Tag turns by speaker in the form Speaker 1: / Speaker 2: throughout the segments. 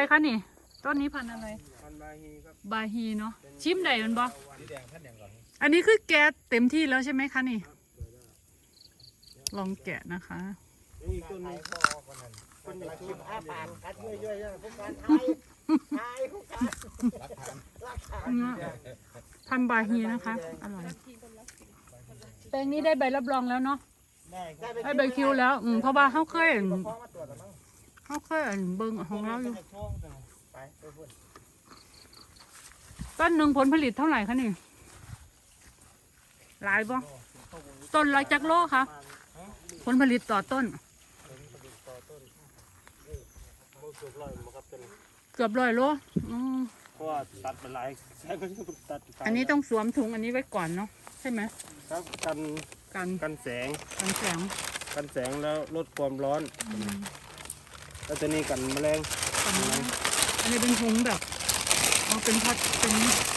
Speaker 1: คะนี่ต้นนี้พันธุ์อะไร
Speaker 2: พันบาฮีครับ
Speaker 1: บาฮีเนาะชิมได้มันบ่
Speaker 2: สีแดงพันแดงก่อน
Speaker 1: อันนี้คือแกะเต็มที่แล้วใช่ไหมคะนี่ลองแกะนะคะ
Speaker 2: นี่ต้นนี้พอกันนั่นคนอยากชิมอ้าปากกัดเยอะๆพวกการไทยพวกการ
Speaker 1: พันบาฮีนะคะอร่อยแปลงนี้ได้ใบรับรองแล้วเนาะได้ใบคิวแล้วเพราะว่าเขาเคยเบิ่งของเราอยู่ต้นหนึ่งผลผลิตเท่าไหร่คะนี่หลายบ่ต้นละจักโลคะผลผลิตต่อต้นเกือบ100 โล
Speaker 2: เพราะว่าตัดเป็นหลายใช่ก็ตัด
Speaker 1: อันนี้ต้องสวมถุงอันนี้ไว้ก่อนเนาะใช่ไหม
Speaker 2: ครับกันแสงแล้วลดความร้อนแล้วตัวนี้กันแมลง
Speaker 1: อันนี้เป็นถุงแบบเป็นพัดเป็น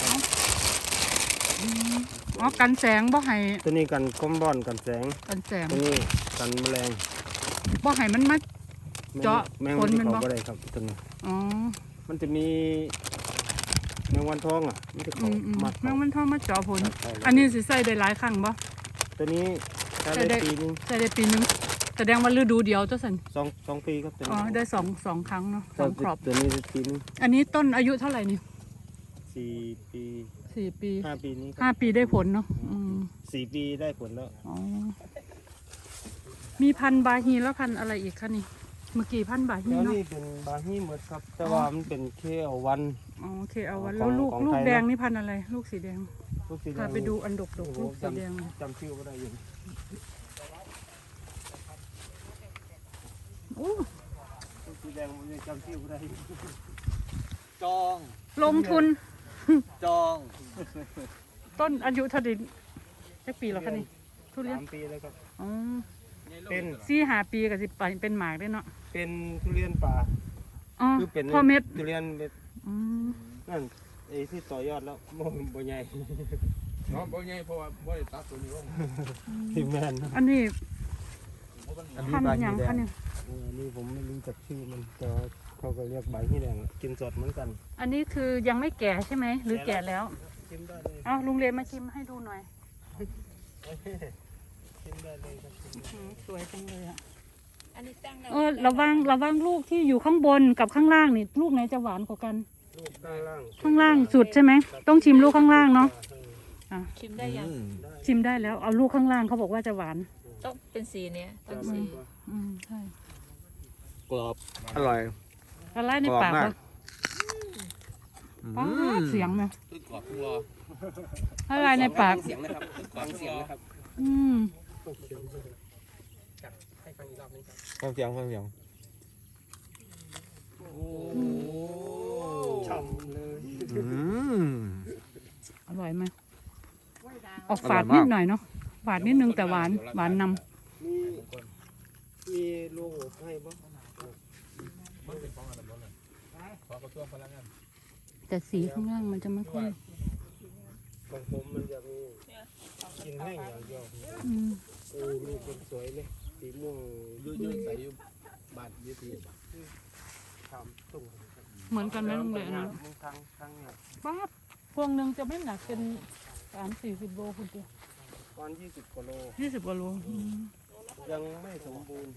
Speaker 1: กันแสงบ่ให้
Speaker 2: ตัวนี้กันคอมบอนกันแสงตัวนี้กันแมลง
Speaker 1: บ่ให้มันมาเจาะ
Speaker 2: ผลมันบ่ได้ครับตัวนี้มันจะมีแมงวันทองมันจะเข้ามา
Speaker 1: แมงวันทองมาเจาะผลอันนี้สิใส่ได้หลายครั้งบ่
Speaker 2: ตัวนี้ใส่ได้ปีนึง
Speaker 1: แสดงว่าฤดูเดียวเจ้าสัน
Speaker 2: 2 ปีครับ
Speaker 1: ได้2 ครั้งเนาะ2 ครอบ
Speaker 2: ตัวนี้ปีนึง
Speaker 1: อันนี้ต้นอายุเท่าไหร่นี่
Speaker 2: 4 ปี5 ปีนี้
Speaker 1: 5 ปีได้ผลเนาะ
Speaker 2: 4 ปีได้ผลแล้ว
Speaker 1: มีพันธุ์บาฮีแล้วพันธุ์อะไรอีกคะนี่เมื่อกี้พันธุ์บาฮีเนาะ
Speaker 2: นี่เป็นบาฮีหมดครับแต่ว่ามันเป็นเคเอาวัน
Speaker 1: เคเอาวันแล้วลูกแดงนี่พันธุ์อะไรลูกสีแดงพาไปดูอันดกลูกสีแดง
Speaker 2: จำชื่อไม่ได้อยู่ลูกสีแดงผมยังจำชื่อไม่ได้
Speaker 3: จอง
Speaker 1: ลงทุน
Speaker 3: จอง
Speaker 1: ต้นอายุเท่าไหร่สักปีแล้วคะนี่ทุเรียน
Speaker 2: 3 ปีแล้วครับ
Speaker 1: เป็น4-5 ปีกับ10 ปีเป็นหมากได้เนาะ
Speaker 2: เป็นทุเรียนป่า
Speaker 1: คือเป็นพ่อเม็ด
Speaker 2: ทุเรียนเม็ดนั่นไอ้ที่ต่อยอดแล้วบ่ใหญ่
Speaker 3: บ่ใหญ่เพราะว่าบ่ได้ตัดตัวนี้ลง
Speaker 2: ที่แมน
Speaker 1: อันนี้พันธุ์อย่างคะเนี่ย
Speaker 2: นี่ผมไม่รู้จักชื่อมันแต่เขาก็เรียกใบที่แดงกินสดเหมือนกัน
Speaker 1: อันนี้คือยังไม่แก่ใช่ไหมหรือแก่แล้ว
Speaker 2: ชิมได้เลย
Speaker 1: ลุงเลมาชิมให้ดูหน่อย
Speaker 2: ชิมได้เลยครับ
Speaker 1: สวยจังเลย
Speaker 4: อันนี้ตั้ง
Speaker 1: ระวังลูกที่อยู่ข้างบนกับข้างล่างนี่ลูกไหนจะหวานกว่ากัน
Speaker 2: ลูก
Speaker 1: ข้างล่างสุดใช่ไหมต้องชิมลูกข้างล่างเนาะ
Speaker 4: ชิมได้ยัง
Speaker 1: ชิมได้แล้วเอาลูกข้างล่างเขาบอกว่าจะหวาน
Speaker 4: ต้องเป็นสีเนี้ยต้องสี
Speaker 1: ใช่
Speaker 3: กรอบอร่อย
Speaker 1: อะไรในปากเสียงไหม
Speaker 3: กรอบรอ
Speaker 1: อะไรในปาก
Speaker 3: เสียงนะครับฟังเสียงนะครับ
Speaker 2: ฟังเสียงโอ้ฉ่ำเลย
Speaker 1: อร่อยไหมออกฝาดนิดหน่อยเนาะฝาดนิดนึงแต่หวานนำ
Speaker 2: มีลูกให้บ้าง
Speaker 1: แต่สีข้างล่างมันจะไม่ค่อย
Speaker 2: ของผมมันจะมีกินแห้งอย่างเดียวมีคนสวยเลยสีม่วง
Speaker 3: ยืดใส่ยุบาดยืดที
Speaker 2: ทำตุ้ง
Speaker 1: เหมือนกันไหมลุงเลยนะ
Speaker 2: ทั้งเนี่ย
Speaker 1: ป้าพวงหนึ่งจะไม่หนักเป็น30-40 โลคุณเดียว
Speaker 2: วัน20 กว่าโลยังไม่สมบูรณ์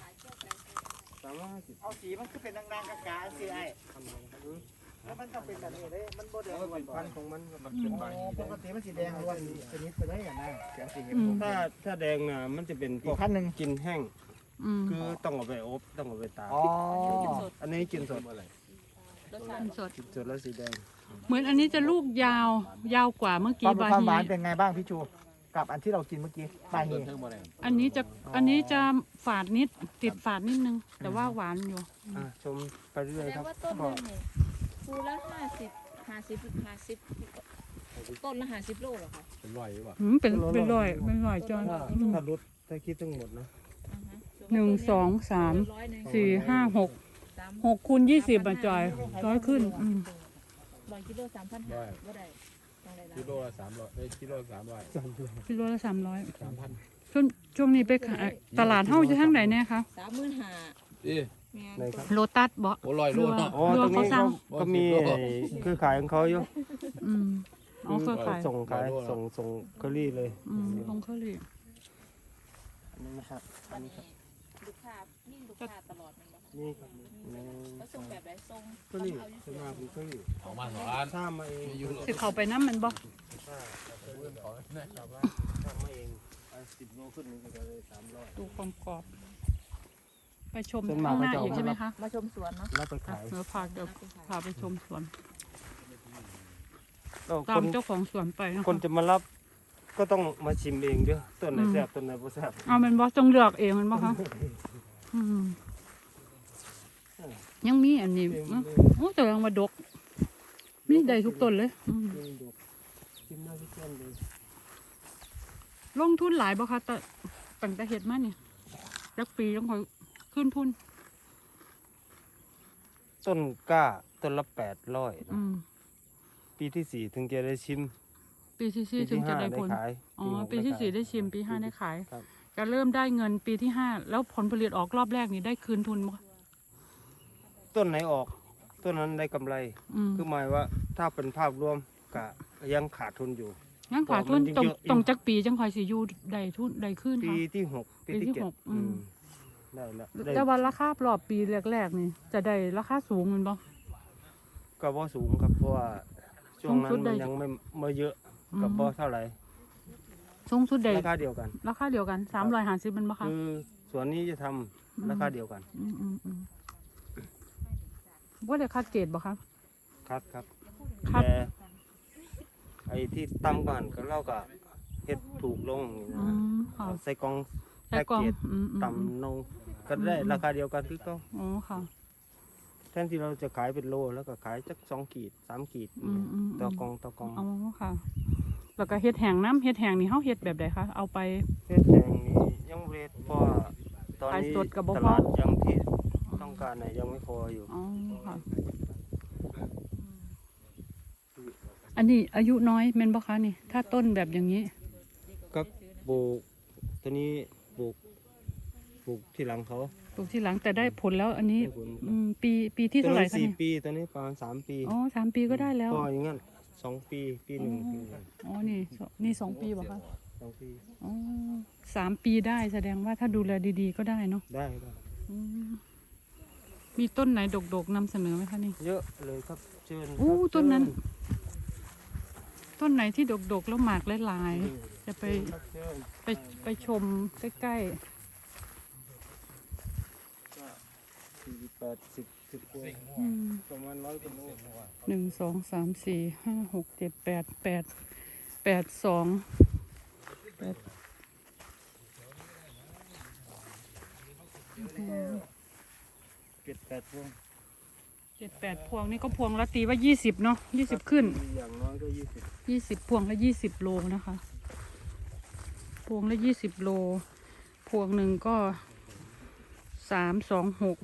Speaker 2: 350
Speaker 3: เอาสีมันคือเป็นนางๆกาๆสิไอ้แล้วมันต้องเป็นแบบนี้เลยมันโบแดง
Speaker 2: เป็นพันธุ์ของมัน
Speaker 3: ปกติมันสีแดงล้วนชนิดไปได้กันนะ
Speaker 2: ถ้าแดงน่ะมันจะเป็นพวกกินแห้งคือต้องเอาไปอบต้องเอาไปตากอันนี้กินสดอะไรกินสดแล้วสีแดง
Speaker 1: เหมือนอันนี้จะลูกยาวกว่าเมื่อกี้
Speaker 3: บาฮีความหวานเป็นไงบ้างพี่ชูกับอันที่เรากินเมื่อกี้บาฮี
Speaker 1: อันนี้จะฝาดนิดติดฝาดนิดนึงแต่ว่าหวานอยู่
Speaker 2: ชมไปเรื่อยครับ
Speaker 4: ต้นนึงเนี่ยภูละ50ต้นละ50 โลเหรอคะ
Speaker 3: เป็นร้อยหรือเปล่า
Speaker 1: เป็นร้อยจอน
Speaker 2: ถ้าลดถ้าคิดทั้งหมดนะ
Speaker 1: 1 2 3 4 5 6คูณ20จอย100ขึ้น
Speaker 4: 100 กิโล 3,500บ่ได้
Speaker 3: กิโลละ300กิโลละ300
Speaker 1: กิโลละ 300
Speaker 3: 3,000
Speaker 1: ช่วงนี้ไปขายตลาดเฮ้าจะทั้งไหนเนี่ยคะ
Speaker 4: 35,000
Speaker 2: ไหนครับ
Speaker 1: โลตัสบ่
Speaker 5: โอ้ลอยโลเนาะ
Speaker 2: อ๋อตรงนี้ก็มีคือขายของเขาอยู่
Speaker 1: อืมอ๋อเครือข่าย
Speaker 2: ส่งขายส่งเคอรี่เลย
Speaker 1: อืมลงเครื่องเลย
Speaker 2: อันนี้นะครับอันนี้ครับ
Speaker 4: ลูกค้านี่ลูกค้าตลอดมันบ่
Speaker 2: นี่ครับใน
Speaker 4: ก็ส่งแบบไหนส่ง
Speaker 2: เคอรี่ส่วนมากเป็นเคอรี่
Speaker 5: ออกมาสองอัน
Speaker 2: ถ้ามาเอง
Speaker 1: สิเข้าไปน้ำมันบ่
Speaker 2: ถ้ามาเอง10 โลขึ้นนี่ก็เลย300
Speaker 1: ดูความกรอบ ไปชม
Speaker 2: ส่วน
Speaker 1: ข้าม
Speaker 2: าก
Speaker 1: งหน้า
Speaker 2: เขาจะเอา
Speaker 1: อีกใช่ไหมคะ
Speaker 4: มาชมสวนเนาะ
Speaker 2: แล้วไปขาย
Speaker 1: เดี๋ยวพาไปชมสวน
Speaker 2: แล้ว
Speaker 1: ตา
Speaker 2: ค
Speaker 1: ม
Speaker 2: น
Speaker 1: เจ้าของสวนไปนะ
Speaker 2: คน
Speaker 1: คะ
Speaker 2: จะมารับก็ต้องมาชิมเองเด้อต้นไหนแซ่บต้นไหนบ่แซ่บ
Speaker 1: เอาเป็นบ่จงเลือกเองมันบ่คะอืมยังมีอันนี้โอ้แต่ยังมาดก มีได้ทุกต้นเลยอืม
Speaker 2: ชิมได้ทุกต้นเลย
Speaker 1: ลงทุนหลายบ่คะแต่ตั้งแต่เฮ็ดมานี่จักปีต้องคอยขึ้นทุน
Speaker 2: ต้นกล้าต้นละ800
Speaker 1: อืม
Speaker 2: ปีที่ 4 ถึงจะได้ชิม
Speaker 1: ปีที่
Speaker 2: ปี
Speaker 1: 4ถึงจะ
Speaker 2: 5
Speaker 1: ได้
Speaker 2: ได้
Speaker 1: ผล
Speaker 2: ขาย
Speaker 1: อ๋อ
Speaker 2: 6
Speaker 1: ปีที่
Speaker 2: ขาย
Speaker 1: 4ได้ชิม ปี 5 ได้ขาย
Speaker 2: ครับ
Speaker 1: จะเริ่มได้เงินปีที่ 5 แล้วผลผลิตออกรอบแรกนี่ได้คืนทุนบ่
Speaker 2: ต้นไหนออกต้นนั้นได้กำไร
Speaker 1: อืม
Speaker 2: คือหมายว่าถ้าเป็นภาพรวมก็ยังขาดทุนอยู่
Speaker 1: งั้นขาดทุน
Speaker 2: มันเยอะ
Speaker 1: ตรงจักปีจังค่อยสิอยู่ได้ทุนได้คืน
Speaker 2: ปี
Speaker 1: ค่ะ
Speaker 2: ที่ 6 ปีที่
Speaker 1: ปีที่
Speaker 2: 7
Speaker 1: หกอืม
Speaker 2: ได้แล้วได้
Speaker 1: แต่ว่าราคารอบปีแรกๆนี่จะได้ราคาสูงแมันบ่
Speaker 2: ก็บ่สูงครับเพราะว่าช่วงนั้น
Speaker 1: สูงสุดได้
Speaker 2: มันยังไม่เยอะ
Speaker 1: อืม
Speaker 2: กับบ่เท่าไหร่
Speaker 1: สูงสุดได้
Speaker 2: ราคาเดียวกัน
Speaker 1: ราคาเดียวกัน350มันบ่คะ
Speaker 2: คือส่วนนี้จะทำราคาเดียวกัน
Speaker 1: อืมว่าได้คัดเกรดบ่คะ
Speaker 2: ครับครับ
Speaker 1: ครับ
Speaker 2: แต่ไอ้ที่ต่ำกว่านั้นก็เราก็เฮ็ดถูกลงนี่
Speaker 1: อื
Speaker 2: นะ
Speaker 1: มค่ะ
Speaker 2: ใส่กล่อง
Speaker 1: ใส่กล่อง
Speaker 2: แพ็กเกจ
Speaker 1: อืม
Speaker 2: ต่ำลงก็ได้ราคาเดียวกันคือเก็
Speaker 1: อ๋อค่ะ
Speaker 2: แทนที่เราจะขายเป็นโลแล้วก็ขายจัก2 ขีด 3 ขีด ต่อกอง
Speaker 1: อ๋อค่ะ แล้วก็เฮ็ดแห้งน้ำเฮ็ดแห้งนี่เฮาเฮ็ดแบบใดคะเอาไป
Speaker 2: เฮ็ดแห่งนี้ยังบ่เฮ็ดเพราะว่าตอน
Speaker 1: ขาย
Speaker 2: นี้
Speaker 1: สดก็บ่พอ
Speaker 2: ตลาดยังที่ต้องการน่ะยังไม่พออยู่
Speaker 1: อ๋อค่ะ อันนี้อายุน้อยแม่นบ่คะนี่ ถ้าต้นแบบอย่างนี้
Speaker 2: ก็ปลูกตัวนี้ปลูกที่หลังเขา
Speaker 1: ปลูกที่หลังแต่ได้ผลแล้วอันนี้
Speaker 2: ได้ผล
Speaker 1: ปีที่
Speaker 2: ตัว
Speaker 1: เท่าไหร่
Speaker 2: นั้น
Speaker 1: คะ
Speaker 2: 4
Speaker 1: นี่
Speaker 2: ปีตัวนี้ประมาณ3 ปี
Speaker 1: อ๋อ3 ปีก็ได้แล้ว
Speaker 2: พออย่างงั้น2 ปีปีหนึ่งปีหนึ่ง
Speaker 1: อ๋อนี่2 ปีบ่คะ
Speaker 2: 2 ปี
Speaker 1: อ๋อ3 ปีได้แสดงว่าถ้าดูแลดีๆก็ได้เนาะ
Speaker 2: ได้
Speaker 1: อืมมีต้นไหนดกๆนำเสนอไหมคะนี่
Speaker 2: เยอะเลยครับเชิญ
Speaker 1: อู้
Speaker 2: ครับ
Speaker 1: ต้นนั้น
Speaker 2: เชิญ
Speaker 1: ต้นไหนที่ดกๆแล้วหมากหลายๆจะไป
Speaker 2: ครับเชิญ
Speaker 1: ไปชมใกล้
Speaker 2: ก็40 10กว่า
Speaker 1: ๆอืม
Speaker 2: ประมาณ100 กว่าโล
Speaker 1: 1 2 3 4 5 6 7 8 8 2
Speaker 2: 7-8 พวง
Speaker 1: 7 8พวงนี่ก็พวงละตีว่า20เนาะ20ขึ้น
Speaker 2: อย่างน้อยก็20
Speaker 1: พวงละ20 โลนะคะ พวงละ20 โล พวงหนึ่งก็3 2 6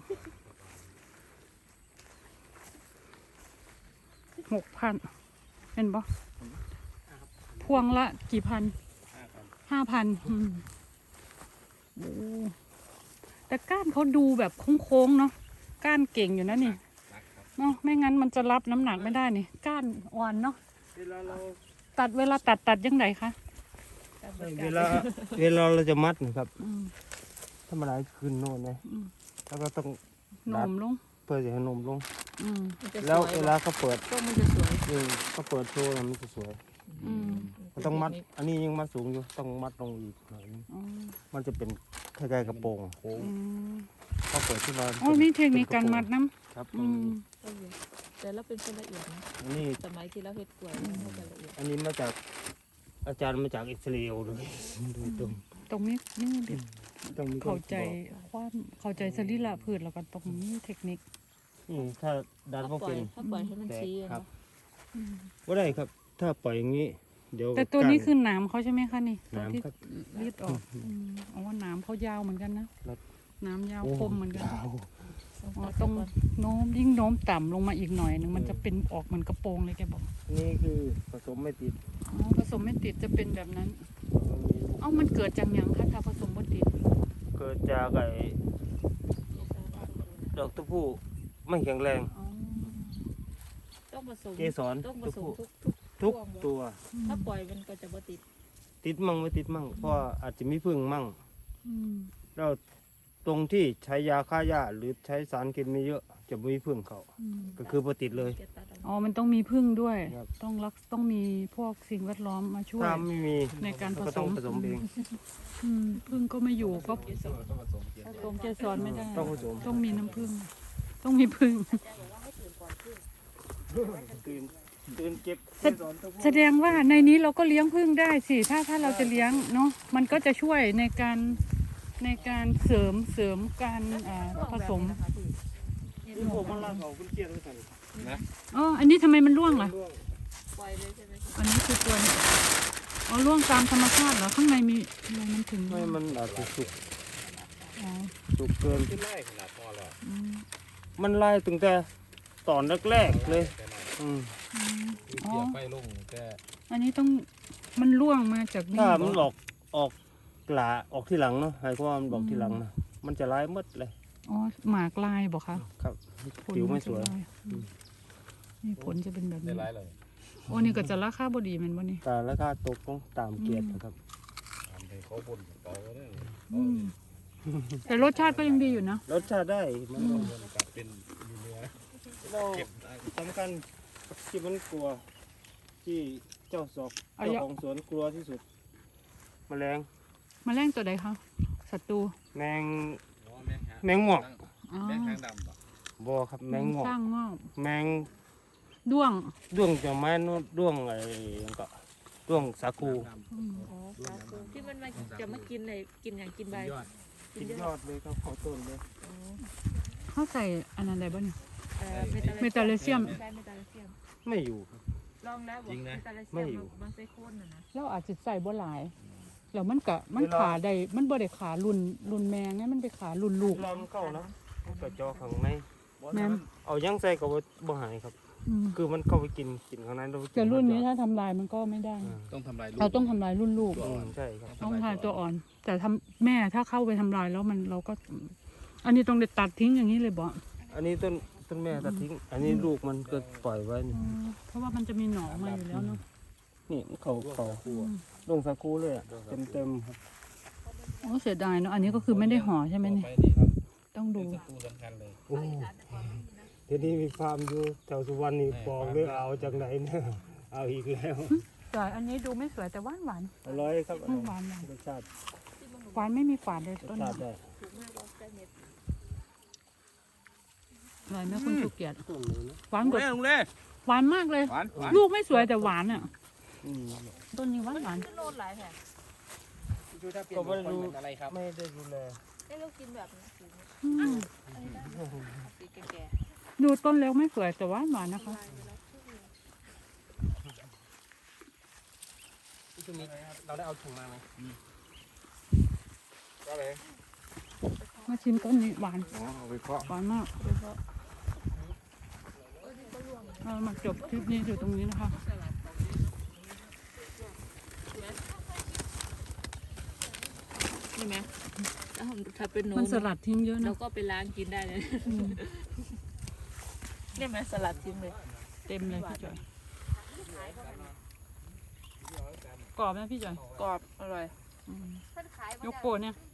Speaker 1: 6,000เป็นปะพวงละกี่พัน5,000โอ้แต่ก้านเขาดูแบบโค้งๆเนาะก้านเก่งอยู่นะนี่เนาะไม่งั้นมันจะรับน้ำหนักไม่ได้นี่ก้านอ่อนเนาะ
Speaker 2: เวลาเรา
Speaker 1: เวลาตัดยังไงคะ
Speaker 2: เวลาเราจะมัดนะครับ
Speaker 1: อืม
Speaker 2: ธรรมดาขึ้นโน่นนะ
Speaker 1: อืม
Speaker 2: แล้วก็ต้อง
Speaker 1: หนมลง
Speaker 2: เปิดให้นมลง
Speaker 1: อืม
Speaker 4: มันจะส
Speaker 2: แล้ว
Speaker 4: วย
Speaker 2: เวลาเขาเปิด
Speaker 4: ต้นมันจะสวย
Speaker 2: เขาเปิดโชว์มันจะสวย
Speaker 1: อืม
Speaker 2: มันต้องมัด อันนี้ยังมัดสูงอยู่ต้องมัดลงอีกหน่อยนึง
Speaker 1: อ๋อ
Speaker 2: มันจะเป็นคล้ายๆกระโปรงโค้ง
Speaker 1: อืม
Speaker 2: เขาเปิดที่เรา
Speaker 1: อ๋อมีเทคนิคการมัดน้
Speaker 2: ครับ
Speaker 1: ำอืม
Speaker 4: แต่เราเป็นคนละเอียดนะ
Speaker 2: อันนี้
Speaker 4: สมัยที่เราเฮ็ดกล้วยเราจะละเอียด
Speaker 2: อันนี้มาจากอาจารย์มาจากอิสราเอลเลยโดยตรง
Speaker 1: ตรงนี้นี่เด็ด
Speaker 2: ต้องมีคน
Speaker 1: เข้าใจ
Speaker 2: บอก
Speaker 1: ความเข้าใจสรีระพืชแล้วก็ตรงนี้เทคนิค
Speaker 2: นี่ถ้าดันพวกเป็น
Speaker 4: ถ้าปล่อยให้มันชี้อะ
Speaker 2: ครับ
Speaker 4: เนาะ
Speaker 2: ว่าได้ครับ ถ้าปล่อยอย่างนี้ เดี๋ยว
Speaker 1: แต่ตัวนี้
Speaker 2: ก้า
Speaker 1: คือหนามเขาใช่ไหมคะนี่ตัวที่
Speaker 2: หนามครับ
Speaker 1: รีดออกอ๋อหนามเขายาวเหมือนกันนะครับ หนามยาว
Speaker 2: โอ้
Speaker 1: คมเหมือนกัน
Speaker 2: ยาว
Speaker 1: อ๋อตรงโน้มยิ่งโน้มต่ำลงมาอีกหน่อยหนึ่งมันจะเป็นออกเหมือนกระโปรงเลยแกบอก
Speaker 2: นี่คือผสมไม่ติด
Speaker 1: อ๋อผสมไม่ติดจะเป็นแบบนั้น เอ้ามันเกิดจากหยังคะถ้าผสมไม่ติด
Speaker 2: เกิดจากไอ้ดอกตัวผู้ไม่แข็งแรง
Speaker 1: อ๋อ
Speaker 4: ต้องผสม
Speaker 2: เกสร
Speaker 4: ต้องผ
Speaker 2: ตัว
Speaker 4: สม
Speaker 2: ผู้
Speaker 4: ทุก
Speaker 2: ทุกตัว
Speaker 4: ถ้าปล่อยมันก็จะบ่ติด
Speaker 2: ติดมั่งไม่ติดมั่งเพราะว่าอาจจะมีพึ่งมั่ง
Speaker 1: อืม
Speaker 2: แล้วตรงที่ใช้ยาฆ่าหญ้าหรือใช้สารเคมีเยอะจะไม่มีพึ่งเขา
Speaker 1: อืม
Speaker 2: ก็คือพอติดเลย
Speaker 4: จะตัดออก
Speaker 1: อ๋อมันต้องมีพึ่งด้วย
Speaker 2: ครับ
Speaker 1: ต้องมีพวกสิ่งแวดล้อมมาช่วย
Speaker 2: ถ้าไม่มี
Speaker 1: ในการผ
Speaker 2: ก็
Speaker 1: ส
Speaker 2: ต้อง
Speaker 1: ม
Speaker 2: ผสมเอง
Speaker 1: พึ่งก็ไม่อยู่ก็ผสมเกสรไม่ได้
Speaker 2: ต้องผสม
Speaker 1: ต้องมีน้ำพึ่งต้องมีพึ่ง
Speaker 2: ตื่นเก็บ
Speaker 1: แสดงว่าในนี้เราก็เลี้ยงพึ่งได้สิถ้าเราจะเลี้ยงเนาะมันก็จะช่วยในการเสริมการผสม
Speaker 2: ที่ผมมันลาเขาคุณเกียรติกัน
Speaker 1: อ๋ออันนี้ทำไมมันร่วงล่ะ
Speaker 4: ปล่อยเลยใช่ไหม
Speaker 1: อันนี้คือตัวนี้อ๋อร่วงตามธรรมชาติเหรอข้างในมีอะไรมันถึง
Speaker 2: ไม่มันอาจจะสุก
Speaker 1: อ๋อ
Speaker 2: สุกเกิน
Speaker 1: อืม
Speaker 2: มันไล่ตั้งแต่ตอนแรกๆเลยอืม
Speaker 1: อ๋อ
Speaker 5: ไปลงแต่
Speaker 1: อันนี้ต้องมันร่วงมาจากนี่
Speaker 2: ถ้า
Speaker 1: เหร
Speaker 2: มันออกกลาออกที่หลังเนาะให้ความนบอกที่หลังนะมันจะไล่หมดเลย
Speaker 1: อ๋อหมากลายบอกคะ
Speaker 2: ครับ
Speaker 1: ผล
Speaker 2: ผิวไม่สวย
Speaker 1: นจะลานี่ผลจะเป็นแบบ
Speaker 5: ได้
Speaker 1: นี้
Speaker 5: ร้ายเลย
Speaker 1: โอ้นี่ก็จะราคาบดีแมันบ่นี่
Speaker 2: แต่ราคาตกต้องตามเกียรตินะครับ
Speaker 5: ทำให้เขาบนต่อเนี่ย
Speaker 1: อืมแต่รสชาติก็ยังดีอยู่นะ
Speaker 2: รสชาติได้มัน
Speaker 5: บนกับเป็นเนื้อ
Speaker 2: เราสำคัญที่มันกลัว ที่เจ้าสอก
Speaker 1: เอา
Speaker 2: เจ้า
Speaker 1: เยอะ
Speaker 2: ของสวนกลัวที่สุด แมลง
Speaker 1: แมลงตัวใดคะศัตรู
Speaker 2: แมงแมงหมอก
Speaker 1: อ๋อ
Speaker 5: แมงหางดำป่ะ
Speaker 2: บอครับแมงหมอก
Speaker 1: สร้างงอก
Speaker 2: แมง
Speaker 1: ด้วง
Speaker 2: ด้วงจะไม้นู่นด้วงอะไรอย่างก็ด้วงสาคู
Speaker 1: อืม
Speaker 4: อ๋อสาคูที่มันมาจะมากินเลยกินอย่างกินใบ
Speaker 5: ยอด
Speaker 2: กินยอดเลยครับขอต้นเลย
Speaker 1: เขาใส่อันนั้นได้บ่เนี่ย
Speaker 4: เมตาเลเซียม
Speaker 1: เมตาเลเซียม
Speaker 4: ใช่เมตาเลเซียม
Speaker 2: ไม่อยู่ครับ
Speaker 4: ลองแล้วบอกเมตาเลเซี
Speaker 2: ไม่
Speaker 4: ยม
Speaker 2: อยู่
Speaker 4: มันใส่โคนน่ะนะ
Speaker 1: เราอาจจะใส่บ่หลายแล้วมันขาได้มันบ่ได้ขารุ่นแมงเนี่ยมันไปขารุ่นลูก
Speaker 2: ลำเข้านะมันก็จอข้างใน
Speaker 1: แม่น
Speaker 2: เอาย่างใส่กับบ่หายครับ
Speaker 1: อืม
Speaker 2: คือมันเข้าไปกินข้างในเราไปกิ
Speaker 1: แต่รุ่นนี้
Speaker 2: ยอด
Speaker 1: ถ้าทำลายมันก็ไม่ได้
Speaker 5: ต้องทำลายลูก
Speaker 1: เราต้องทำลายรุ่นลูก
Speaker 2: ใช่ครับ
Speaker 1: ต้องทายตัวอ่อน แต่ทำแม่ถ้าเข้าไปทำลายแล้วเราก็ อันนี้ต้องได้ตัดทิ้งอย่างนี้เลยบ่
Speaker 2: อันนี้ต้นแม่ตัดทิ้ง อันนี้ลูกมันก็ปล่อยไว้นี่
Speaker 1: เพราะว่ามันจะมีหนองมาอยู่แล้วเนาะ
Speaker 2: นี่มันเขาลงสาคูเลยอะเต็มครับ
Speaker 1: โอ้เสียดายเนาะอันนี้ก็คือไม่ได้ห่อใช่ไหม
Speaker 5: ต่อ
Speaker 1: เนี่ย
Speaker 5: ไปนี่ครับ
Speaker 1: ต้องดู
Speaker 5: ศัตรูสำคัญเลย
Speaker 2: โอ้เดี๋ยวนี้มีฟาร์มอยู่แถวสุวรรณนี่บอกเลยเอาจากไหนเนี่ยเอาอีกแล้ว
Speaker 1: แต่อันนี้ดูไม่สวยแต่หวานหวาน
Speaker 2: อร่อยครับอร่อย
Speaker 1: หวานหวาน
Speaker 2: รสชาติ
Speaker 1: หวานไม่มีฝาดเลย
Speaker 2: รส
Speaker 1: ต้น
Speaker 2: ชา
Speaker 1: นี้
Speaker 2: ติได้
Speaker 4: ถูกมากบอกใส่เม็ด
Speaker 1: อร่อยไหมคุณสุเกียรติ
Speaker 2: ต้นนี้นะ
Speaker 1: หวานกว่า
Speaker 5: ลุงเล่
Speaker 1: หวานมากเลย
Speaker 5: หวานหวาน
Speaker 1: ลูกไม่สวยแต่หวานอ่ะ
Speaker 2: อืม
Speaker 1: ต้นนี้หวานหวาน
Speaker 4: ขึ้นโลดหลายแผ่
Speaker 3: ดูถ้าเปลี่ยนเป็นคนเป็นอะไรครับ
Speaker 2: ไม่ได้ดูแล
Speaker 4: ได้เรากินแบบนี้สีนี้
Speaker 1: อืม
Speaker 4: อันนี้ได้สีแก่
Speaker 1: ดูต้นเล็กไม่สวยแต่หวานหวานนะคะ
Speaker 2: ช่วงนี้เราได้เอาถุงมาไหม
Speaker 5: ก็เลย
Speaker 1: มาชิมต้นนี้หวาน
Speaker 5: อ๋อเอาไปเคาะ
Speaker 1: หวานมากเรามาจบคลิปนี้อยู่ตรงนี้นะคะ
Speaker 4: ใช่ไหมถ้าเป็นหนู
Speaker 1: มันสลัดทิ้งเยอะ
Speaker 4: เรา
Speaker 1: นะ
Speaker 4: ก็ไปล้างกินได้เลยได้ไหมสลัดทิ้งเลย
Speaker 1: เต็มเลยพี่จอยกรอบไหมพี่จอย
Speaker 4: กรอบอร่อย
Speaker 1: ยกโปรเนี่ย